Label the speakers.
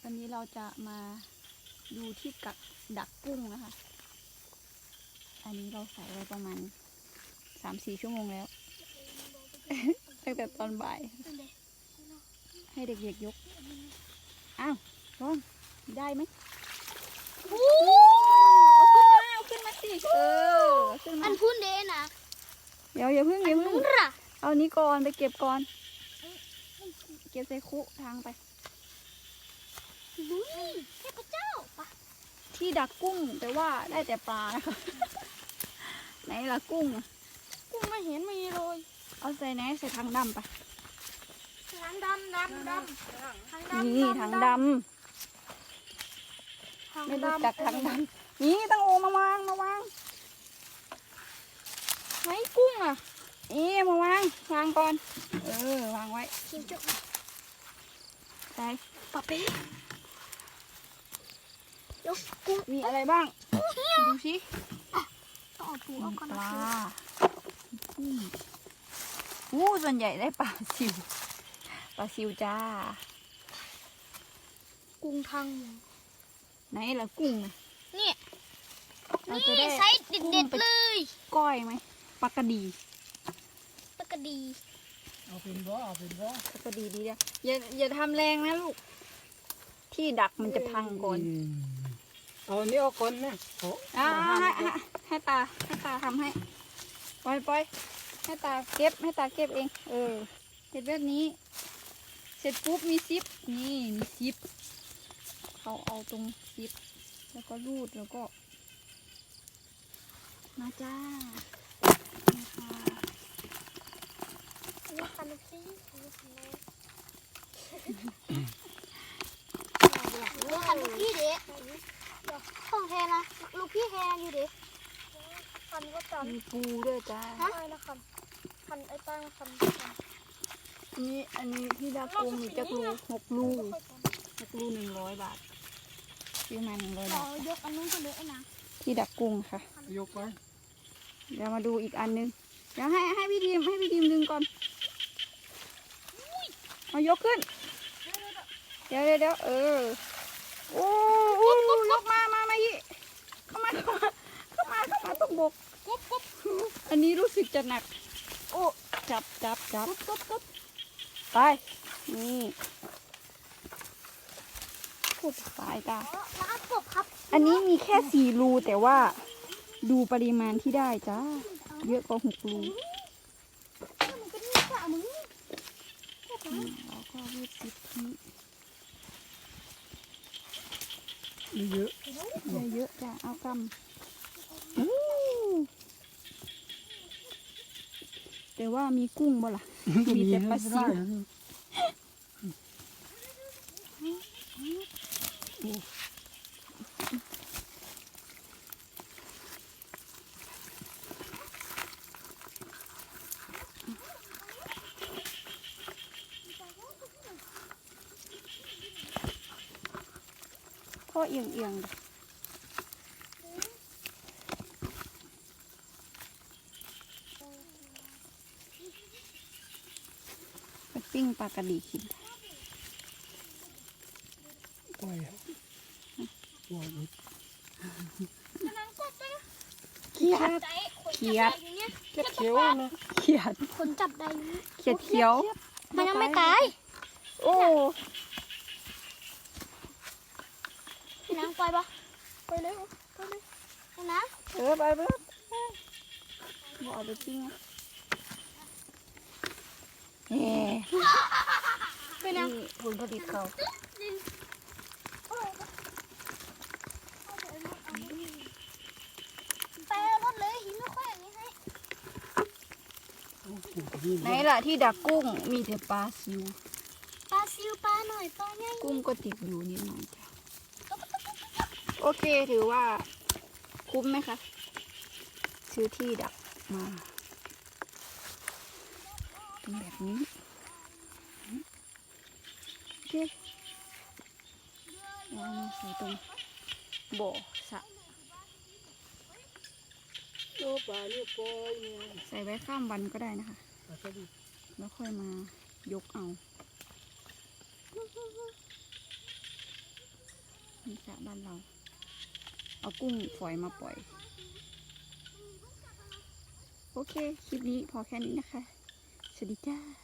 Speaker 1: วันนี้เราจะมาดูที่ดักกุ้งนะคะอันนี้เราใส่ไว้ประมาณ3-4 ชั่วโมงแล้ว ตั้งแต่ตอนบ่ายให้เด็กๆยกอ้าวลองได้ไหมเอาขึ้นมาสิเอาขึ้นมา
Speaker 2: อันพูนเดนะ
Speaker 1: อย่าเพิ่ง
Speaker 2: นู้นล่ะ
Speaker 1: เอานี้ก่อนไปเก็บก่อนเก็บใส่คุทางไป
Speaker 2: นู้นเทพเจ้าปะ
Speaker 1: ที่ดักกุ้งแต่ว่าได้แต่ปลานะคะ ไหนล่ะกุ้ง
Speaker 2: กุ้งไม่เห็นมีเลย
Speaker 1: เอาใส่ไหนใส่ถังดำไป
Speaker 2: ทางดำทาง
Speaker 1: นี่ถังดำไม่รู้จักถังดำนี่ต้องโอมาวางไหนกุ้งอ่ะนี่มาวางก่อนวางไว้
Speaker 2: กินจุก
Speaker 1: ใส่
Speaker 2: ปะเป๊ะยกกุ้ง
Speaker 1: มีอะไรบ้างดูสิ
Speaker 2: ต้องเอาปูเอาก่อน
Speaker 1: ป
Speaker 2: นะ
Speaker 1: ลากุ้งส่วนใหญ่ได้ปลาซิวจ้า
Speaker 2: กุ้งทาง
Speaker 1: ไหนล่ะกุ้ง
Speaker 2: นี่
Speaker 1: เราจะได้
Speaker 2: ไซส์เด็ดๆเลย
Speaker 1: ก้อยไหมปลากระดี
Speaker 2: ปกติ
Speaker 3: เอาเป็นบ่
Speaker 1: ปลากระดีดีนะอย่าทำแรงนะลูกที่ดักมันจะพังก่อน
Speaker 3: เอาอันนี้เอาก่อนนะ
Speaker 1: ให้ตาทำให้ปล่อยให้ตาเก็บเองเสร็จแบบนี้เสร็จปุ๊บมีซิปนี่มีซิปเขาเอาตรงซิปแล้วก็รูดแล้วก็มาจ้านะคะ
Speaker 2: อันนี้คันซี่อันนี้คันลูกพี่เด็กของแทนนะลูกพี่แทนอยู่เด็กคันก็จำ
Speaker 1: มีปูด้วยจ้า
Speaker 2: ใช่นะคันไอ้ตั้งคัน
Speaker 1: อันนี้ที่ดาปูมีจักรู6 ลู100 บาทซื้อมา100 บาท
Speaker 2: ยกอันนู้นก็เลยไอ้นะ
Speaker 1: ที่ดักกุ้งค่ะ
Speaker 3: ยกไว้
Speaker 1: เดี๋ยวมาดูอีกอันนึงเดี๋ยวให้พี่ทีมดึงก่อนเอายกขึ้นเดี๋ยวโอ้ยกมาอีกเข้ามาต้องบกอันนี้รู้สึกจะหนักโอ้จับไปนี่พูดสายตา
Speaker 2: ร้านกบครับ
Speaker 1: อันนี้มีแค่4 รูแต่ว่าดูปริมาณที่ได้จ้าเยอะกว่า6 รู
Speaker 2: มันก็นี่ค่ะมึง
Speaker 1: เราก็รูดซิปนี้
Speaker 3: เยอะ
Speaker 1: เยอะจ้ะเอากำแต่ว่ามีกุ้งบ่ล่ะ มีแต่ปลาซิวพ่อเอียงไปปิ้งปลากระดีกิน
Speaker 3: ปล่อยปล่อย
Speaker 1: เขียด
Speaker 3: เขียวนะ
Speaker 2: คนจับได้
Speaker 1: เขียว
Speaker 2: มันยังไม่ตาย
Speaker 1: โอ้
Speaker 2: พี่นางปล่อยปะไปเลยนะ
Speaker 1: ไปบ่เอาไปปิ้ง
Speaker 2: พี่นาง
Speaker 1: นี่ผลผลิตเขา
Speaker 2: ไปรถเลยหินไม่ค่อยอย่างนี้ให้
Speaker 1: ไหนล่ะที่ดักกุ้งมีแต่ปลาซิว
Speaker 2: ปลาซิวปลาหน่อยปลาใหญ่
Speaker 1: กุ้งก็ติดอยู่นิดหน่อยจ้ะโอเคถือว่าคุ้มไหมคะซื้อที่ดักมาเป็นแบบนี้โอเคเอามาใส่ตรงบ่อสระ
Speaker 3: โอ้ปลาเนี่ยปล่อยเนี่ย
Speaker 1: ใส่ไว้ข้ามวันก็ได้นะคะ
Speaker 3: ปลาสลิด
Speaker 1: แล้วค่อยมายกเอานี่สระบ้านเรา เอากุ้งฝอยมาปล่อย โอเค คลิปนี้พอแค่นี้นะคะ สวัสดีจ้า